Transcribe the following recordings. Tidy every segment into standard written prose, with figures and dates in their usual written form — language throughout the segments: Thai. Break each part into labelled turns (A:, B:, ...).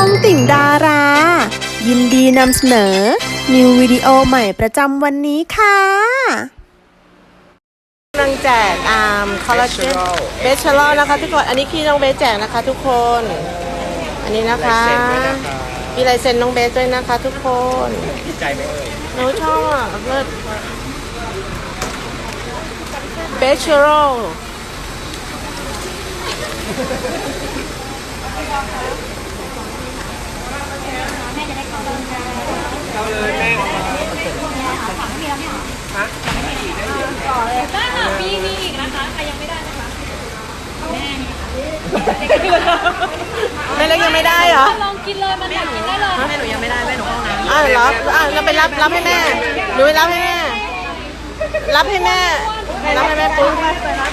A: องติ่งดารา ยินดีนำเสนอ นิววิดีโอใหม่ประจำวันนี้ค่ะกำลังแจกคอลลาเจนเบสชาร์ลนะคะทุกคนอันนี้คือน้องเบสแจกนะคะทุกคนอันนี้นะคะมีลายเซ็นน้องเบสด้วยนะคะทุกคน
B: ดีใจไหมเอ่ย
A: หนูชอบอ่ะเลิศเบสชาร์ล
B: เอาเลยแม่ฮะ
C: ต่อเลยได้ค่ะมีอีกนะคะใครยังไม่ได้นะคะแม่
A: แม่เล็กยังไม่ได้เหรอ
C: ลองกินเลยมันอยากกินได้เลย
A: แม่หนูยังไม่ได้แม่หนูห้องน้ำเหรอเราไปรับให้แม่หนูไปรับให้แม่รับให้แม่ปุ๊บ
C: อีกไหม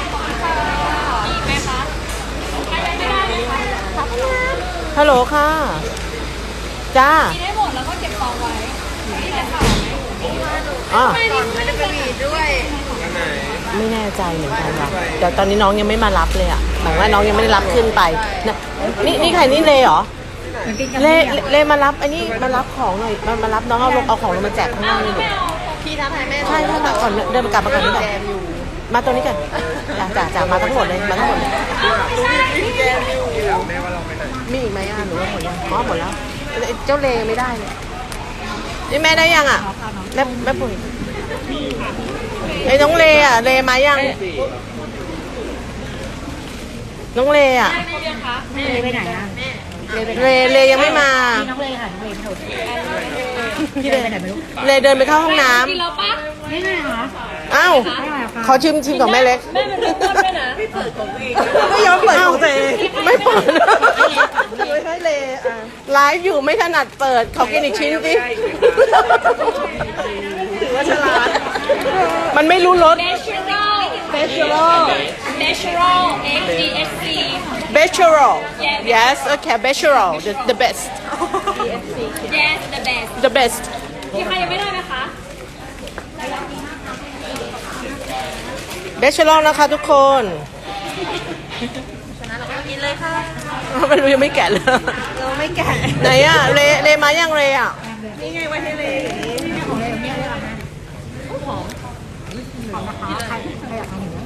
C: คะใครยังไม่ได้ไหมคะ
A: ฮัลโหลค่ะจ้า
C: กินให้หมดแล้วก็เก็บซองไว้นี่แต่ข่าว
A: อ๋อ
C: ไม่ได้เป็นอีกด้วย
A: ไม่แน่ใจเหมือนกันค่ะแต่ตอนนี้น้องยังไม่มารับเลยอ่ะหมายว่าน้องยังไม่ได้รับขึ้นไปนะนี่ใครนี่เลเหรอเลมารับอันนี้มารับของหน่อยมารับน้องเอาของลงมาแจกข้างนอกนี่หนู
C: พี่ทักทายแม่
A: ใช่มาก่อนเดินกลับมาก่อนนี่ก่อนมาตัวนี้ก่อนจ่ามาทั้งหมดเลยมาทั้งหมดเลย
B: แม่ว่าเราไปไหน
A: มีอีกไหมหนูว่าหมดยังอ๋อหมดแล้วเจ้าเลไม่ได้เลยนี่แม่ได้ยังอ่ะแม่ปุ๋ยไอ้น้องเลอ่ะเลมายังน้องเลอ่ะ
C: เลไปไหนอ่ะ
A: เลยังไม่มา
C: น้องเลค่ะน้องเลไม่ถูก
A: พี่เลเดินไปเข้าห้องน้ำ
C: กินแล้วปะไม่ไงคะ
A: อ้าวขอชิมของแม่เล็ก
C: แม่เป็นคนด้วยนะไม่เปิดของเอง
A: ไม่ยอมเปิดของตัวเองไม่เปิดไม่ให้เลไลฟ์อยู่ไม่ถนัดเปิดขอกินอีกชิ้นสิถือว่าฉลาดมันไม่รู้รส
C: Natural HDSC
A: Natural yes okay Natural the best
C: Yes the best
A: the best
C: มีใครยังไม่ได้ไหมคะ
A: Natural นะคะทุกคน
C: ฉะนั้นเราก็กินเลยค่ะ
A: ไม่รู้ยังไม่แกะเลย
C: เราไม่แกะ
A: ไหนอะเลมายังเลอะ
C: นี่ไงไว้ให้เลยนี่ของเลยนี่เลยหอมนะคะใครอยากทานหนู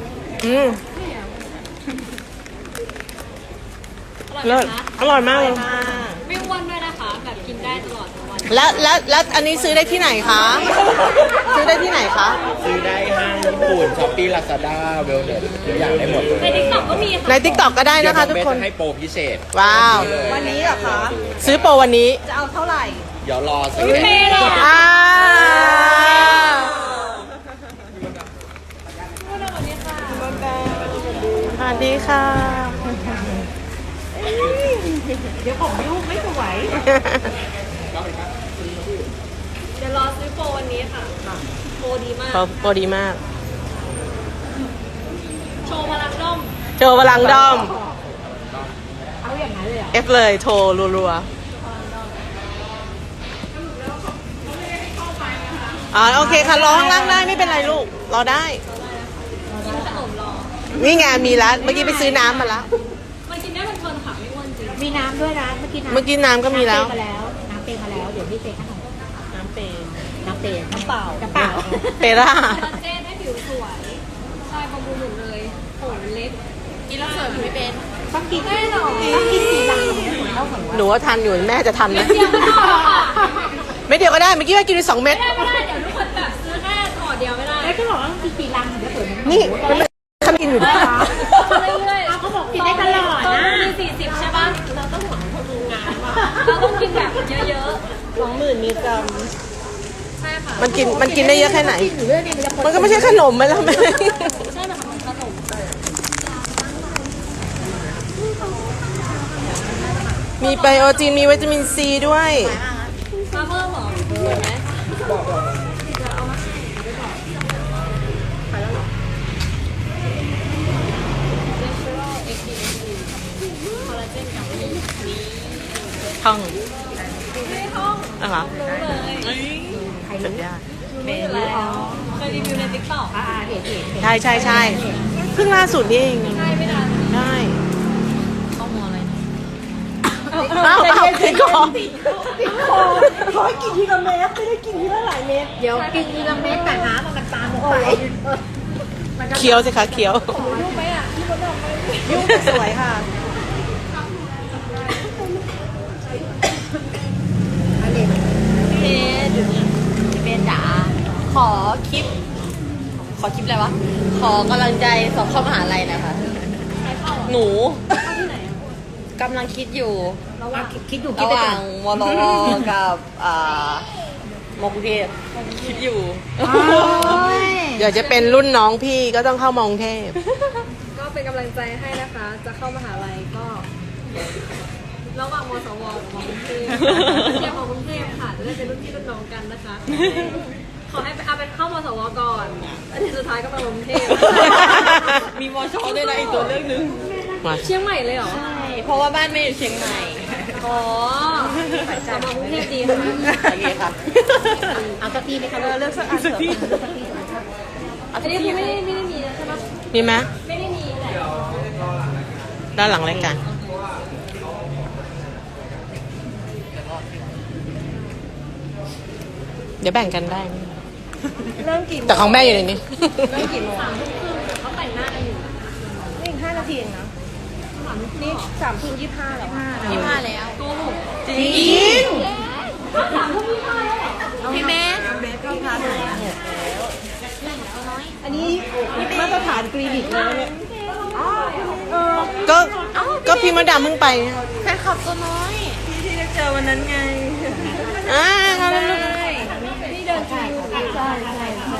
A: เลิศอร่อยมากเลย
C: ไม่อ้วนด้วยนะคะแบบกินได้ตลอดทั้งวัน
A: แล้วอันนี้ซื้อได้ที่ไหนคะซื้อได้ที่ไหนคะ
B: ซื้อได้ห้างญี่ปุ่นช้อปปี้ลาซาด้าเวลเน็ตทุกอย่างได้หมด
C: ในทิกตอกก็มีค่ะ
A: ในทิกตอกก็ได้นะคะทุกคน
B: ให้โปรพิเศษ
A: ว้าว
D: วันนี้เหรอคะ
A: ซื้อโปรวันนี้
D: จะเอาเท่าไหร่
B: เดี๋ยวรอสัก
C: เท่เลย
A: สวัสดีค่ะ
D: เดี๋ยวผมยุ่งไม่สวย
C: เดี๋ยวรอซื้อโปรวันนี้ค่ะโปรดีมาก
A: โปรดีมาก
C: โชว์พลังด้อม
A: โชว์พลังด้อม
D: เอาอย่างนั้นเลยเหรอ
A: เอฟเลยโทรรัวๆโอเคค่ะรอข้างล่างได้ไม่เป็นไรลูกรอได้นี่ไงมีแล้วเมื่อกี้ไปซื้อน้ำมาแล้ว
C: มันกินได้เพลินๆค่ะไม่อ้วนจริง
D: มีน้ำด้วยนะเมื่อกี้
A: น้ำก็มีแล้ว
D: น้ำเปย์มาแล้วเดี๋ยวพี่เปย์ขนมน้ำเปย์น้ำเปล่า
A: เปร่า
C: คอลลาเจนให้ผิวสวยใช่บำรุงหมดเลยผมเล็กกินแล้วสวยไม่เป็น
D: ต้องกินได้หรอต้องกินกี่ลังเท่า
A: หนูว่าทันอยู่แม่จะทันไหมไม่เดียวก็ได้เมื่อกี้ว่ากินไป2 เม็ด
C: ไม่ได้เดี๋ยวทุกคนแบบซื้อแค่ห่อเดียวไม่ได้
D: แล้วก็บอกว่าต้องกินกี่ลังถึงจะสวย
A: นี่ทำกินอยู่ด้วย
C: เรื่อยๆ
D: เขาบอกกินได้ตลอดนะ
C: มี40ใช่ป่ะเราต้องหวังคนดูงานว่าเราต้องกินแบบเยอะ
A: ๆ 20,000 มิลลิกรัม
C: ใช่ค่ะ
A: มันกินได้เยอะแค่ไหนมันก็ไม่ใช่ขนมไหมล่ะแม่
C: ใช่ค่ะมันขนม
A: มีไบโอจีนมีวิตามินซีด้วย
C: มาเพิ่มหรอเห็นไหม
A: ท่อง
C: ไม่ท่อง
A: อะไร
C: รู้เลย
A: ใครรู้
C: เมย์แล้วเคยรีวิวในติ๊กต็อก
A: ใช่เพิ่งล่าสุดนี่เอง
C: ใช่ไม่นาน
A: ได้
C: ข้อมูลอะไร
A: เอาคอ
C: ขอกินทีละเม็ดไม่ได้กินทีละหลายเม็ด
D: เดี๋ยวกินทีละเม็ดแต่น้ำมันตามลงไป
A: เคี้ยวสิคะเคี้ยว
C: ยุ่งสวยค่ะ
D: เบนจ๋าขอคลิปอะไรวะ ขอกำลังใจสอบเข้ามหาลัยนะคะ หนูกำลังคิดอยู่ระหว่างวลรกับมกรุงเทพคิดอยู่
A: เดี๋ยวจะเป็นรุ่นน้องพี่ก็ต้องเข้ามากรุงเทพ
E: ก็เป็นกำลังใจให้นะคะ จะเข้ามหาลัยก็ ระหว่างมสวกับมกรุงเทพเชียร์ของกรุงเทพค่ะ จะได้เป็นรุ่นพี่รุ่นน้องกันนะคะ ขอให้เอาเป็นเข้ามสวก่อนอันนี้สุดท้ายก็มากรุงเทพ
D: มีมอชอด้วยนะอีกตัวเรื่องนึง
A: มา
E: เชียงใหม่เลยเหรอ
D: ใช่ เพราะว่าบ้านไม่อยู่เชียงใหม่
E: อ๋อจะมากรุงเทพดีค่ะ
A: โอเคค่ะ
D: เอาสักทีไหมคะ
C: เลือกสักอันเถอะ
E: อันนี้คือไม่ได้มีนะใช่ปะ
A: มีไหม
E: ไม่ได้มีแต่
A: ด้านหลังรายการเดี๋ยวแบ่งกันได้
C: เริ่มกี่โมง
A: แต่ของแม่อยู่ในนี้
C: เริ่มกี่โมง
E: เขาแต่งหน้ากันอยู่
C: นี่อีก5 นาทีเองนะนี่3:25แล้วค่ะ
D: 25แล้ว
E: โกหก
C: จริง
D: พี่เมส
C: เบสก็ทานอันนี้มาตรฐานคลินิกเลยเนี่ย
A: ก็พี่มดดำเพิ่งไป
D: แฟนคลับตัวน้อย
C: ที่ได้เจอวันนั้นไง
A: เขาแล้วลูก
C: ที่เดินคิวใช่ใช่ใช่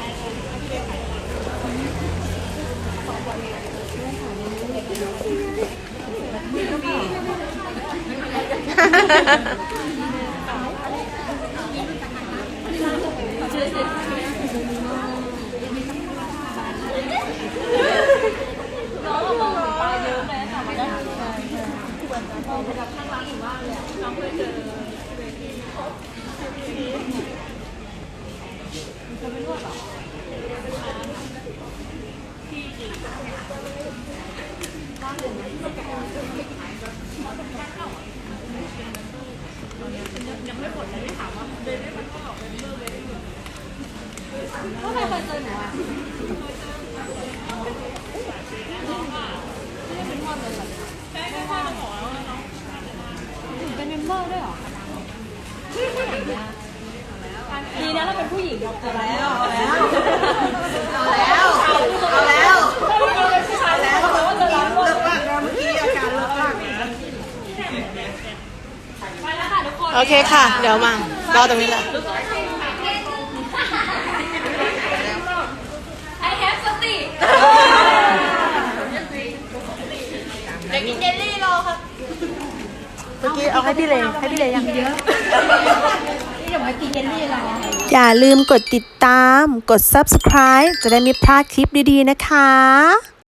E: ดีนะเราเป็นผู้หญิงเอาแล้ว
C: เอาแล้วเขาบอกว่าจะรับเลิกบ้างเมื่อกี้อาการเลิกบ้าง
A: โอเคค่ะ เดี๋ยวมารอตรงนี้แหละ
E: I have สติ
D: เดี๋ยวกินเจลลี่รอครับ
A: เมื่อกี้เอาให้พี่เลยังเยอะ
D: นี่เดี๋ยวมากินเจลลี่รอ
F: อย่าลืมกดติดตาม กด subscribe จะได้ไม่พลาดคลิปดีๆนะคะ